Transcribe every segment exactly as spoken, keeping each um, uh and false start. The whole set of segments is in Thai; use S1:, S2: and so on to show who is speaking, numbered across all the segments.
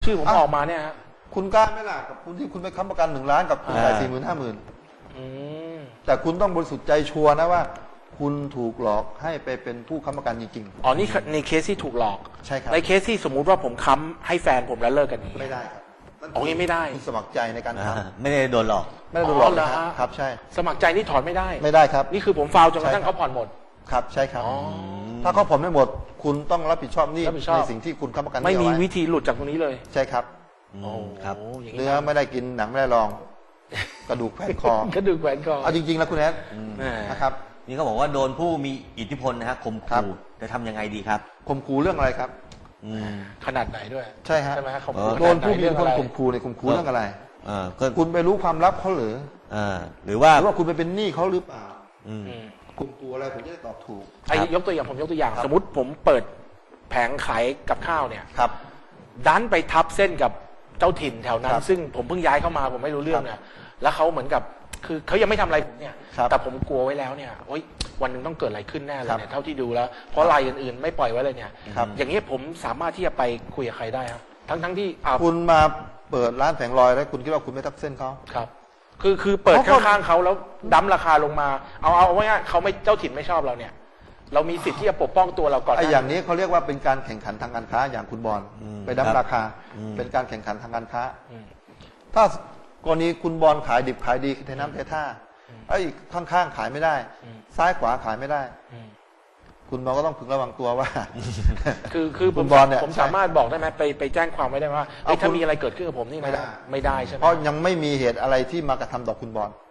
S1: ชื่อผมออกมาเนี่ยฮะ
S2: คุณกล้าไหมล่ะกับคุณที่คุณไปค้ำประกันหนึ่งล้านกับคุณจ่ายสี่หมื่นห้าหมื่นแต่คุณต้องบริสุทธิ์ใจชัวร์นะว่าคุณถูกหลอกให้ไปเป็นผู้ค้ำประกันจริงๆ
S1: อ๋อนี่ในเคสที่ถูกหลอก
S2: ใช่ครับ
S1: ในเคสที่สมมุติว่าผมค้ำให้แฟนผมแล้วเลิกกัน
S2: ไม่ได้ครับ
S1: อ๋อนี่ไม่ได้
S2: คุณสมัครใจในการท
S3: ำไม่ได้โดนหลอก
S2: ไม่ได้โดนหลอกนะครับใช่
S1: สมัครใจนี่ถอนไม่ได้
S2: ไม่ได้ครับ
S1: นี่คือผมฟาวจนกระทั่งเขาผ่อนหมด
S2: ครับใช่ครับถ้าเขาผ่อนไม่หมดคุณต้องรับผิดชอบนี่ในสิ่งที่คุณค้ำประกัน
S1: ไม่มีวิธีหลุดจากตรงนี้เลย
S2: ใช่ครับ
S1: โอ้ครับ
S2: เนื้อไม่ได้กินหนังไม่ได้ลองกระดูกแขวนคอก
S1: ระดูกแขวนคอ
S2: เอาจริงๆแล้วคุณแอดนะครับ
S3: นี่เขาบอกว่าโดนผู้มีอิทธิพลนะฮะข่มขู่จะทำยังไงดีครับ
S2: ข่มขู่เรื่องอะไรครับ
S1: ขนาดไหนด้วย
S2: ใช่ฮะ
S1: ใช่ไหมครับ
S2: โดนผู้มีอิทธิพลข่มขู่ในข่มขู่เรื่องอะไรคุณไปรู้ความลับเขาหรือ
S3: หรือว่า
S2: หรือว่าคุณไปเป็นหนี้เขาหรือเปล่าข่มขู่อะไรผมจะได้ตอบถูก
S1: ไอ้ยกตัวอย่างผมยกตัวอย่างสมมติผมเปิดแผงขายกับข้าวเนี่ย
S2: ครับ
S1: ดันไปทับเส้นกับเจ้าถิ่นแถวนั้นซึ่งผมเพิ่งย้ายเข้ามาผมไม่รู้เรื่องเนี่ยแล้วเขาเหมือนกับคือเขายังไม่ทำอะไรผมเนี่ยแต่ผมกลัวไว้แล้วเนี่ยโอ๊ยวันหนึ่งต้องเกิดอะไรขึ้นแน่เลยเนี่ยเท่าที่ดูแล้วเพราะรายอื่นๆไม่ปล่อยไว้เลยเนี่ยอย่างนี้ผมสามารถที่จะไปคุยกับใครได้ครับทั้งทั้งที่
S2: คุณมาเปิดร้านแผงลอยแล้วคุณคิดว่าคุณไม่ทับเส้นเขา
S1: ครับคือคือเปิดข้างๆเขาแล้วดั้มราคาลงมาเอาเอาไว้ง่ายเขาไม่เจ้าถิ่นไม่ชอบเราเนี่ยเรามีสิทธิ์ที่จะปกป้องตัวเราก่อน
S2: ไอ้อย่างนี้เขาเรียกว่าเป็นการแข่งขันทางการค้าอย่างคุณบอลไปดั้มราคาเป็นการแข่งขันทางการค้าถ้ากรณีคุณบอลขายดิบขายดีเทน้ำเทท่าไอ้ข้างๆขายไม่ได้ซ้ายขวาขายไม่ได้คุณบอลก็ต้องพึงระวังตัวว่า
S1: คือคือคุณบอลเนี่ยผมสามารถบอกได้ไหมไปไปแจ้งความไว้ได้ว่าถ้ามีอะไรเกิดขึ้นกับผมนี่ไม่ได้ไม่ได้ใช่ไหม
S2: เพราะยังไม่มีเหตุอะไรที่มากระทำต่อคุณบอล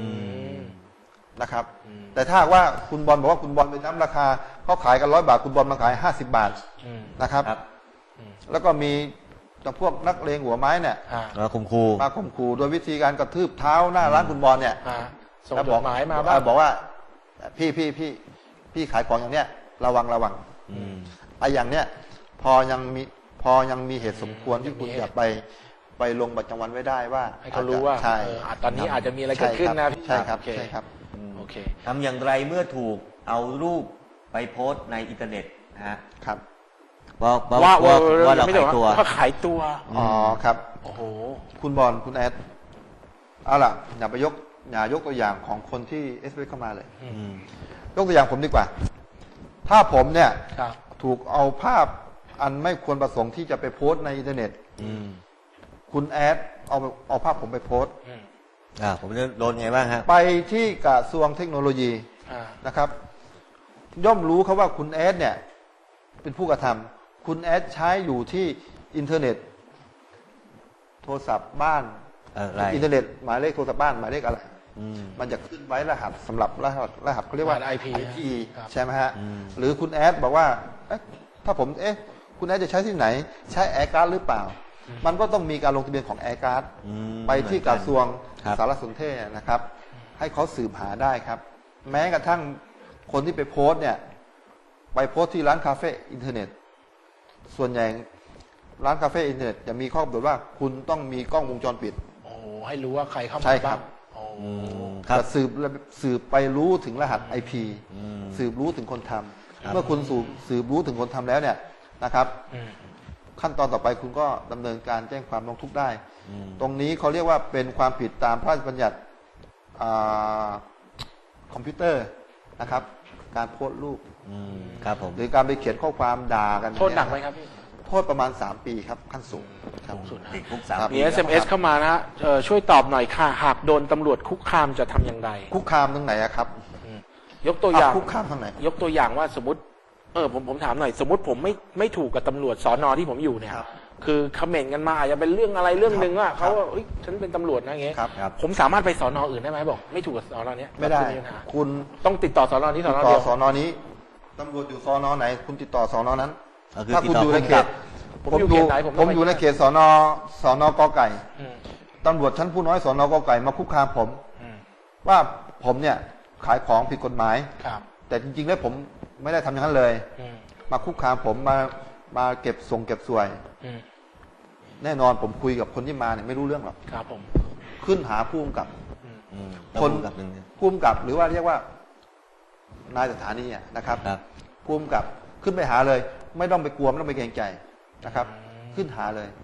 S2: นะครับแต่ถ้าว่าคุณบอลบอกว่าคุณบอลไปน้ำราคาเขาขายกันร้อยบาทคุณบอลมาขายห้าสิบบาทนะครับแล้วก็มีแต่พวกนักเลงหัวไม้เนี่ย
S3: มาข่มขู่
S2: มาข่มขู่โดยวิธีการกระทืบเท้าหน้าร้านคุณบอลเนี่ย
S1: ส่งจดหมายมาบ้าง
S2: บอกว่าพี่พี่พี่พี่ขายของอย่างเนี้ยระวังระวังไอ้อย่างเนี้ยพอยังมีพอยังมีเหตุสมควรที่คุณจะไปไปลงบัตรประจำวันไว้ได้ว่า
S1: ให้เขารู้ว่า
S2: ใช่
S1: ตอนนี้อาจจะมีอะไรเกิดขึ้นนะ
S2: ใช่ครับใช่ครับ
S1: โอเค
S3: ทำอย่างไรเมื่อถูกเอารูปไปโพสต์ในอินเทอร์เน็ตนะฮะ
S2: ครับ
S3: ว่าว่าว่าเราขายตัว
S1: ว่าขายตัว
S2: อ๋อครับ
S1: โอ้โห
S2: คุณบอลคุณแอดเอาล่ะอย่าไปยกอย่ายกตัวอย่างของคนที่เอสเอเข้ามาเลยยกตัวอย่างผมดีกว่าถ้าผมเนี่ยถูกเอาภาพอันไม่ควรประสงค์ที่จะไปโพสต์ในอินเทอร์เน็ตคุณแอดเอาเอาภาพผมไปโพสต์
S3: อ่าผมจะโดนไงบ้างฮะ
S2: ไปที่กระทรวงเทคโนโลยีนะครับย่อมรู้เขาว่าคุณแอดเนี่ยเป็นผู้กระทำคุณแอดใช้อยู่ที่อินเทอร์เน็ตโทรศัพท์บ้านอินเทอร์เน็ตหมายเลขโทรศัพท์บ้านหมายเลขอะไรมันจะขึ้นไว้รหัสสำหรับรหัสรหัสเขาเรียกว่า
S1: ไอ พี
S2: ใช่ไหมฮะหรือคุณแอดบอกว่าถ้าผมเอ๊ะคุณแอดจะใช้ที่ไหนใช้แอร์การ์ดหรือเปล่ามันก็ต้องมีการลงทะเบียนของแอร์การ์ดไปที่กระทรวงสารสนเทศนะครับให้เขาสืบหาได้ครับแม้กระทั่งคนที่ไปโพสต์เนี่ยไปโพสต์ที่ร้านคาเฟ่อินเทอร์เน็ตส่วนใหญ่ร้านคาเฟ่อินเทอร์เน็ตจะมีข้อกำหนดว่าคุณต้องมีกล้องวงจรปิด
S1: โอ้ให้รู้ว่าใครเข้ามา
S2: ใช่ครับจะสืบสืบไปรู้ถึงรหัส ไอ พี สืบรู้ถึงคนทำเมื่อคุณสืบสืบรู้ถึงคนทำแล้วเนี่ยนะครับขั้นตอนต่อไปคุณก็ดำเนินการแจ้งความร้องทุกข์ได้ตรงนี้เขาเรียกว่าเป็นความผิดตามพระราชบัญญัติคอมพิวเตอร์นะครับการโพสต์รูป
S3: ครับผม
S2: หรือการไปเขียนข้อความด่ากัน
S1: โทษหนักไหมครับพี่
S2: โทษประมาณสามปีครับขั้นสูง
S1: สูงสุด
S3: ติดคุกสามปี
S1: มี เอส เอ็ม เอส เข้ามานะช่วยตอบหน่อยค่ะหากโดนตำรวจคุกคามจะทำอย่างไร
S2: คุกคามตรงไหนครับ
S1: ยกตัวอย่าง
S2: คุกคามตรงไหน
S1: ยกตัวอย่างว่าสมมติเออผมผมถามหน่อยสมมติผมไม่ไม่ถูกกับตำรวจสอนอที่ผมอยู่เนี่ยคือคอมเมนต์กันมาอาจจะเป็นเรื่องอะไรเรื่องหนึ่งว่าเขาว่าฉันเป็นตำรวจนะเงี้ยผมสามารถไปสอนออื่นได้ไหมบอกไม่ถูกกับสอนอเนี้ย
S2: ไม่ได้คุณ
S1: ต้องติดต่อสอนอที่สอนอเดียว
S2: สอนอนี้ตำรวจอยู่สอนอไหนคุณติดต่อสอนอนั้นถ้าคุณอยู่ในเขตผมอยู่ผมอยู่ในเขตสอนอสอนอกอไก่ตำรวจชั้นผู้น้อยสอนอกอไก่มาคุกคามผมว่าผมเนี่ยขายของผิดกฎหมายแต่จริงๆแล้วผมไม่ได้ทำอย่างนั้นเลยมาคุกคามผมมามาเก็บส่งเก็บสวยแน่นอนผมคุยกับคนที่มาเนี่ยไม่รู้เรื่องหรอก
S1: ครับผม
S2: ขึ้นหาผู้กำกับคนผู้กำกับหรือว่าเรียกว่านายสถานีนะครับผู้กำกับขึ้นไปหาเลยไม่ต้องไปกลัวไม่ต้องไปเกรงใจนะครับขึ้นหาเลย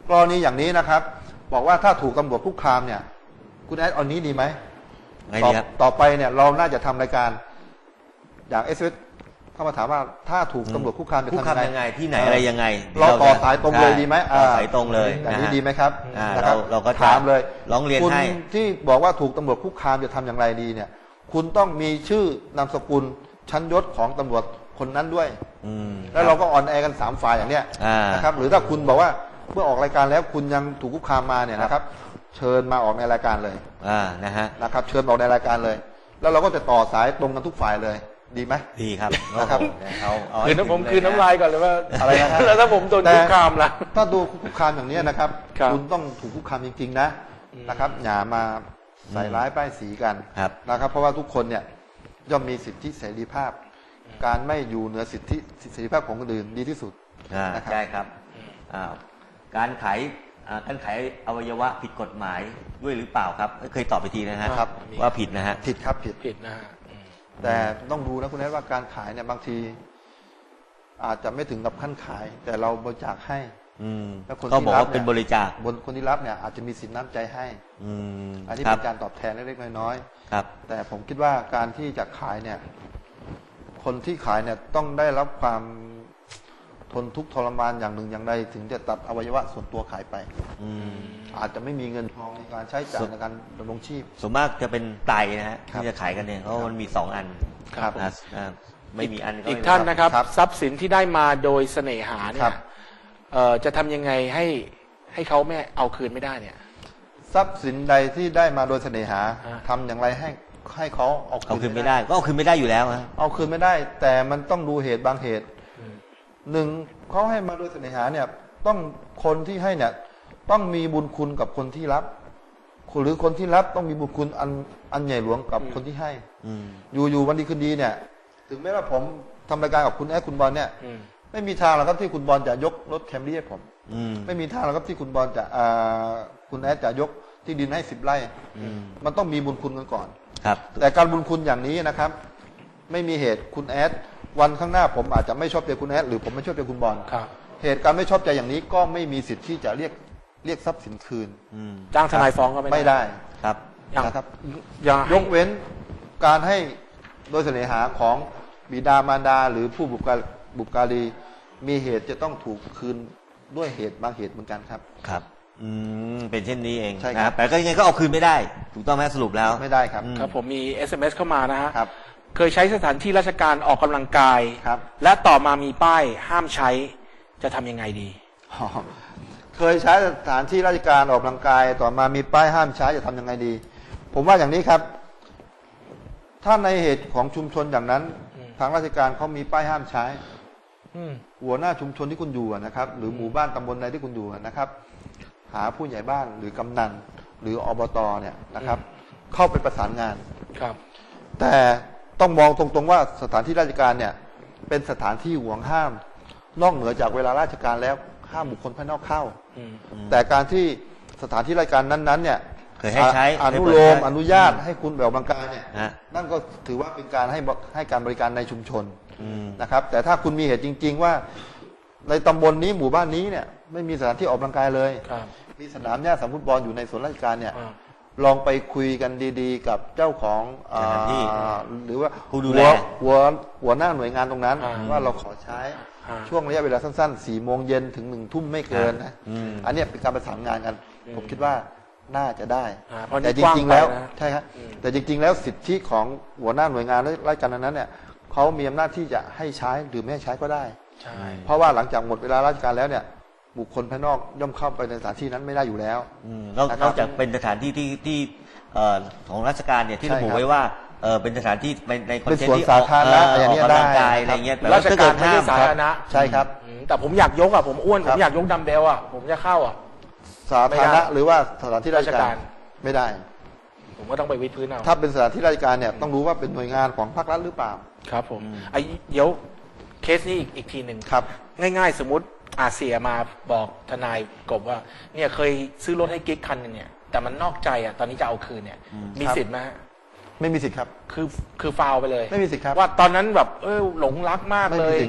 S2: กรณีอย่างนี้นะครับ บอกว่าถ้าถูกตำรวจคุกคามเนี่ยคุณแอดเอานี้ดีไหม
S3: ไง
S2: ต่อ
S3: ดีครับ
S2: ต่อไปเนี่ยเราน่าจะทำรายการอย่างเอสเอสเข้ามาถามว่าถ้าถูกตำรวจคุกคามจะ
S3: คุก
S2: ทำ
S3: คาม
S2: ยั
S3: ยัง ง
S2: ไง
S3: ไงที่ไหนอะไรยังไง
S2: เราต่อ
S3: จะ
S2: สายตรงเลยดีไหม
S3: ต่อสายตรงเลย
S2: อย่าง
S3: นะ
S2: นี้
S3: ฮะ
S2: ดีไหมครับ
S3: อ่า
S2: นะค
S3: เรา
S2: บ
S3: เราก็จะ
S2: ถามเลย
S3: ร้องเรียน
S2: คุณ
S3: ให้
S2: ที่บอกว่าถูกตำรวจคุกคามจะทำอย่างไรดีเนี่ยคุณต้องมีชื่อนามสกุลชั้นยศของตำรวจคนนั้นด้วย
S3: อืม
S2: แล้วเราก็ออนแอร์กันสามฝ่ายอย่างเนี้ย
S3: อ่าน
S2: นะครับหรือถ้าคุณบอกว่าเมื่อออกรายการแล้วคุณยังถูกคุกคามมาเนี่ยนะครับ เชิญมาออกในรายการเลย
S3: อ่านะฮะ
S2: นะครับ เชิญออกในรายการเลย แล้วเราก็จะต่อสายตรงกันทุกฝ่ายเลย ดีไหม
S3: ดีครับ
S2: นะครับ
S3: โอ้โหเอาเอา
S1: คื
S3: ให้
S1: นน้ำผม
S3: ถึง
S1: คืนน้ำลายก่อนเลยว่า
S2: อะไรนะฮะ
S1: แล้วถ้าผมโดนคุกคามล่ะ
S2: ถ้าดูคุกคามอย่างนี้นะครับ
S1: ครับ
S2: ณต้องถูกคุกคามจริง ๆ นะนะครับอย่ามาใส่ร้ายป้ายสีกัน
S3: ครับ
S2: นะครับ เพราะว่าทุกคนเนี่ยย่อมมีสิทธิเสรีภาพ การไม่อยู่เหนือสิทธิเสรีภาพของคนอื่นดีที่สุด
S3: อ่า
S2: นะครับ
S3: ใช่ครับอ่าการขายอ่าการขายอวัยวะผิดกฎหมายด้วยหรือเปล่าครับเคยตอบไปทีนะฮะ
S2: ครับ
S3: ว่าผิดนะฮะ
S2: ผิดครับผิด
S1: ผิดนะฮะอืม
S2: แต่ต้องดูนะคุณแม่ว่าการขายเนี่ยบางที อาจจะไม่ถึงกับขั้นขาย แต่เราบริจาคให้
S3: อืม
S2: แล้วคน
S3: ก็
S2: ที่
S3: บอก
S2: รับ
S3: ว่าเป็น
S2: เนี่ย
S3: บริจาค
S2: บนคนที่รับเนี่ยอาจจะมีสินน้ำใจให้
S3: อืม
S2: อันนี้
S3: ครั
S2: เป็
S3: บ
S2: นการตอบแทนเล็กๆน้อย
S3: ครับ
S2: ๆแต่ผมคิดว่าการที่จะขายเนี่ย คนที่ขายเนี่ยต้องได้รับความทนทุกข์ทรมานอย่างหนึ่งอย่างใดถึงจะตัดอวัยวะส่วนตัวขายไป
S3: อืม
S2: อาจจะไม่มีเงินทองในการใช้จ่ายในการดำรงชีพ
S3: ส่วนมากจะเป็นไตนะฮะ
S2: ครับ
S3: ที่จะขายกันเนี่ยเพราะมันมีสองอัน
S2: ครับ
S3: อ่าอ่าไม่มีอัน
S1: อีก
S3: ไม่
S1: ท่านนะครับ
S2: ครับ
S1: ทรัพย์สินที่ได้มาโดยเสน่หาเนี่
S2: ครั
S1: ย
S2: บ
S1: เอ่อจะทำยังไงให้ให้เขาไม่เอาคืนไม่ได้เนี่ย
S2: ทรัพย์สินใดที่ได้มาโดยเสน่หา
S1: อ่า
S2: ทำอย่างไรให้ให้เขาเอา
S3: เอา
S2: คื
S3: คื
S2: น
S3: น
S2: ไม่
S3: ไม่
S2: ได้
S3: ได้ก็เอาคืนไม่ได้อยู่แล้วฮะ
S2: เอาคืนไม่ได้ แต่มันต้องดูเหตุบางเหตุหนึ่งเขาให้มาโดยเสน่หาเนี่ย ต้องคนที่ให้เนี่ย ต้องมีบุญคุณกับคนที่รับ หรือคนที่รับต้องมีบุญคุณอันอันใหญ่หลวงกับคนที่ให้
S3: อืม
S2: อยู่อยู่วันดีคืนดีเนี่ย ถึงแม้ว่าผมทำรายการกับคุณแอดคุณบอลเนี่ย
S1: อืม
S2: ไม่มีทางหรอกครับที่คุณบอลจะยกรถแคมรี่ให้ผม
S3: อืม
S2: ไม่มีทางหรอกครับที่คุณบอลจะอ่าคุณแอดจะยกที่ดินให้สิบไร่
S3: อืม
S2: มันต้องมีบุญคุณกันก่อน
S3: ครับ
S2: แต่การบุญคุณอย่างนี้นะครับ ไม่มีเหตุคุณแอดวันข้างหน้าผมอาจจะไม่ชอบใจคุณแอดหรือผมไม่ชอบใจคุณบอล
S1: ครับ
S2: เหตุการณ์ไม่ชอบใจอย่างนี้ก็ไม่มีสิทธิ์ที่จะเรียกเรียกทรัพย์สินคืน
S3: อืม
S1: จ้างทนายฟ้องก็ไม่
S2: ไม่ได้
S3: ครับ
S1: อย่าง
S2: นะครับ
S1: อย่าง
S2: ยกเว้นการให้โดยเสน่หาของบิดามารดา หรือผู้บุปการบุปการีมีเหตุจะต้องถูกคืนด้วยเหตุบางเหตุเหมือนกันครับ
S3: ครับ อืม เป็นเช่นนี้เอง
S2: ใช่ครับ
S3: นะแต่ก็ยังไงก็เอาคืนไม่ได้ ถูกต้องไหมสรุปแล้ว
S2: ไม่ได้ครับ
S3: อืม
S1: ครับผมมี เอส เอ็ม เอส เข้ามานะฮะ
S2: ครับ
S1: เคยใช้สถานที่ราชการออกกำลังกาย
S2: ครับ
S1: และต่อมามีป้ายห้ามใช้จะทำยังไงดี
S2: อ๋อเคยใช้สถานที่ราชการออกกำลังกาย ต่อมามีป้ายห้ามใช้จะทำยังไงดี ผมว่าอย่างนี้ครับ ถ้าในเหตุของชุมชนอย่างนั้น
S1: อืม
S2: ทางราชการเขามีป้ายห้ามใช้
S1: อืม
S2: หัวหน้าชุมชนที่คุณอยู่อะนะครับ หรือหมู่บ้านตำบลใดที่คุณอยู่อะนะครับ หาผู้ใหญ่บ้านหรือกำนันหรืออบตเนี่ยนะครับ เข้าไปประสานงาน
S1: ครับ
S2: แต่ต้องมองตรงๆว่าสถานที่ราชการเนี่ย เป็นสถานที่ห่วงห้าม นอกเหนือจากเวลาราชการแล้วห้ามบุคคลภายนอกเข้า
S1: อืม
S2: แต่การที่สถานที่ราชการนั้นๆเนี่ย
S3: เคยให้ใช้
S2: อนุโลม
S3: ให้เปิดใช้
S2: อนุญาตให้คุณแบบออกกำลังกายเนี่ย
S3: ฮะ
S2: นั่นก็ถือว่าเป็นการให้บให้การบริการในชุมชน
S3: อืม
S2: นะครับ แต่ถ้าคุณมีเหตุจริง ๆ ว่าในตำบลนี้หมู่บ้านนี้เนี่ย ไม่มีสถานที่ออกกำลังกายเลย
S1: ครับ
S2: มีสนามหญ้าสนามฟุตบอลอยู่ในส่วนราชการเนี่ย
S1: อ่า
S2: ลองไปคุยกันดีๆ กับเจ้าของอ่า
S3: สถานที่
S2: หรือว่า
S3: ผู้ดูแล
S2: หัวหัวหัวหน้าหน่วยงานตรงนั้น
S1: อ่า
S2: ว่าเราขอใช้
S1: อ่า
S2: ช่วงระยะเวลาสั้นๆสี่โมงเย็นถึงหนึ่งทุ่มไม่เกินนะ
S3: อืม
S2: อันเนี้ยเป็นการประสานงานกัน
S1: อืม
S2: ผมคิดว่าน่าจะได้
S1: อ่าเพราะนี่
S2: แต่จ
S1: กว้าง
S2: ริงๆแล้ว
S1: ไปนะ
S2: ใช่ครับ
S1: อืม
S2: แต่จริงๆแล้วสิทธิของหัวหน้าหน่วยงานราชการนั้นเนี่ยเขามีอำนาจที่จะให้ใช้หรือไม่ให้ใช้ก็ได้
S1: ใช่
S2: เพราะว่าหลังจากหมดเวลาราชการแล้วเนี่ย บุคคลภายนอกย่อมเข้าไปในสถานที่นั้นไม่ได้อยู่แล้ว
S3: อืมนอก
S2: นะครับ
S3: นอกจากเป็นสถานที่ที่ที่เอ่อของราชการเนี่ยที่
S2: ใช่
S3: ระบุ
S2: ครับ
S3: ไว้ว่าเออเป็นสถานที่ในในคอน
S2: เป็น
S3: เทน
S2: สวน
S3: ต์ที่
S2: สาธารณะ
S3: เ
S2: อย่างเงี้ย
S3: กกำลังกาย
S2: ได้
S3: อะไรเงี้ย
S2: ครับ
S3: แต่ว่
S1: ราช
S3: ถ้
S1: การ
S3: เด
S1: ไม่ใช่
S3: ห้
S1: สาธารณะ
S2: ใช่ครับ
S1: อืมแต่ผมอยากยกอ่ะผมอ้วน
S2: ค
S1: ผ
S2: รับ
S1: มอยากยกดัมเบลอ่ะผมจะเข้าอ่ะ
S2: สาธารณะ
S1: ไม่ได้
S2: หรือว่าสถานที่ราชการ
S1: ราชการ
S2: ไม่ได้
S1: ผมก็ต้องไปวิดพื้นเอา
S2: ถ้าเป็นสถานที่ราชการเนี่ยต้องรู้ว่าเป็นหน่วยงานของภาครัฐหรือเปล่า
S1: ครับผมไอ้เดี๋ยวเคสนี้อีกอีกทีหนึ่ง
S2: ครับ
S1: ง่ายๆ สมมติอาเสียมาบอกทนายกบว่า เนี่ยเคยซื้อรถให้กิ๊กคันหนึงเนี่ย แต่มันนอกใจอ่ะตอนนี้จะเอาคืนเนี่ย มี
S2: ครับ
S1: สิทธิ์ไหมฮะ
S2: ไม่มีสิทธิ์ครับ
S1: คือคือฟาวไปเลย
S2: ไม่มีสิทธิ์ครับ
S1: ว่าตอนนั้นแบบเออหลงรักมาก
S2: ไม่
S1: เล
S2: มี
S1: ย
S2: สิทธิ์ครับ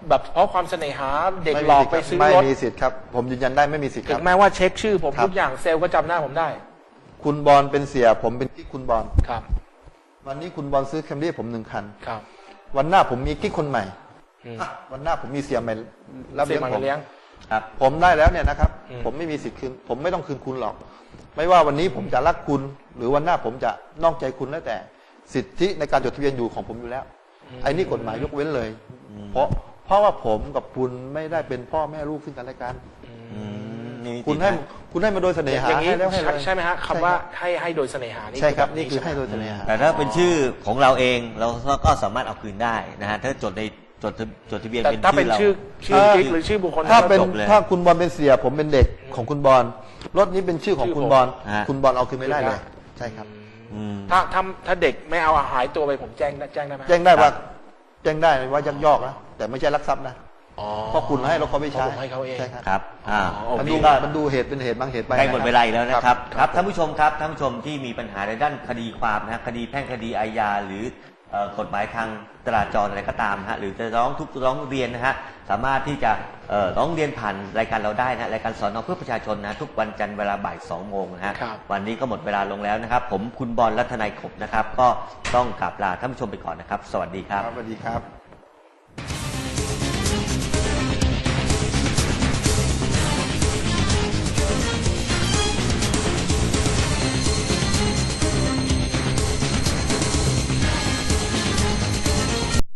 S1: แบบเพราะความเสน่หาเด็กหลอกไปซื้อ
S2: ไม่
S1: รถ
S2: มีสิทธิ์ครับ ผมยืนยันได้ไม่มีสิทธิ์ค
S1: ถึ
S2: รับ
S1: งแม้ว่าเช็คชื่อผม
S2: ครับ
S1: ทุกอย่างเซลล์ก็จำหน้าผมได้
S2: คุณบอลเป็นเสียผมเป็นกิ๊กคุณบอล
S1: ครับ
S2: วันนี้คุณบอลซื้อแคมรี่ผมหนึ่งคัน
S1: ครับ
S2: วันหน้าผมมีกิ๊กคนใหม่
S1: อืม
S2: อ่ะวันหน้าผมมีเสียใหม่รับ
S1: เสีย
S2: เลี้ยง
S1: มา
S2: ผม
S1: เลี้ยง
S3: ครับ
S2: ผมได้แล้วเนี่ยนะครับ
S1: อืม
S2: ผมไม่มีสิทธิ์คืนผมไม่ต้องคืนคุณหรอก ไม่ว่าวันนี้ผมจะรักคุณ หรือวันหน้าผมจะนอกใจคุณแล้วแต่สิทธิในการจดทะเบียนอยู่ของผมอยู่แล้วไอ้นี่กฎหมายยกเว้นเลย เพราะเพราะว่าผมกับคุณไม่ได้เป็นพ่อแม่ลูกซึ่งกันและกัน
S3: อืมนี่
S2: คุณให้คุณให้มาโดยเสน่หา
S1: อย่างนี้
S2: ให้แล้วให้เลย
S1: ใช่ไหมฮะคำว่าให้ให้โดยเสน่หานี่
S2: ใช่ครับ
S1: แ
S2: นี่คือให้โดยเสน่หา
S3: แต่ถ้าเป็นชื่อของเราเองเราก็สามารถเอาคืนได้นะฮะถ้าจดในจดทะจดทะเบียน
S1: แต่
S3: เป็น
S1: ถ้าเป็น
S3: ชื่อ
S1: ชื่อ
S3: เรา
S1: ชื่อกิ๊กหรือชื่อบุคคล
S2: ถ้าเป็น
S3: จบเลย
S2: ถ้าคุณบอลเป็นเสีย ผมเป็นเด็กของคุณบอลรถนี้เป็นชื่อของ
S1: ชื่อ
S2: คุณ
S1: ผม
S2: บอล
S3: ฮะ
S2: คุณบอลเอาคืนไม่ได้เลย
S1: คืนได้
S2: ใช่ครับ
S3: อืม
S1: ถ้าถ้าถ้าเด็กไม่เอาหายตัวไปผมแจ้งได้แจ้งได้ไหม
S2: แจ้งได้ว่า
S3: ครับ
S2: แจ้งได้ว่ายักยอกนะแต่ไม่ใช่ลักทรัพย์นะ
S1: อ๋อ
S2: เพราะคุณให้รถเขาไม่ใช้
S1: เพราะผมให้เขาเอง
S2: ใช่ครับ
S3: ครับอ่า
S1: อ๋อ
S2: มัน
S1: โอ
S2: ดู
S1: เค
S2: มันดูเหตุเป็นเหตุบางเหตุไป
S3: ใกล้หมดเวลาอีกแล้วนะครับ
S2: ค
S3: ครับ รับท่านผู้ชมครับท่านผู้ชมที่มีปัญหาในด้านคดีความนะฮะคดีแพ่งคดีอาญาหรือเอ่อกฎหมายทางจราจรอะไรก็ตามนะฮะหรือจะร้องทุกข์ร้องเรียนนะฮะสามารถที่จะเอ่อร้องเรียนผ่านรายการเราได้นะรายการสอนอเพื่อประชาชนนะทุกวันจันทร์เวลาบ่ายสองโมงนะฮะ
S1: ครับ
S3: วันนี้ก็หมดเวลาลงแล้วนะครับ ผมคุณบอลรัตนัยขบนะครับ ก็ต้องกราบลาท่านผู้ชมไปก่อนนะครับ สวัสดีครับ
S2: ครับสวัสดีครับ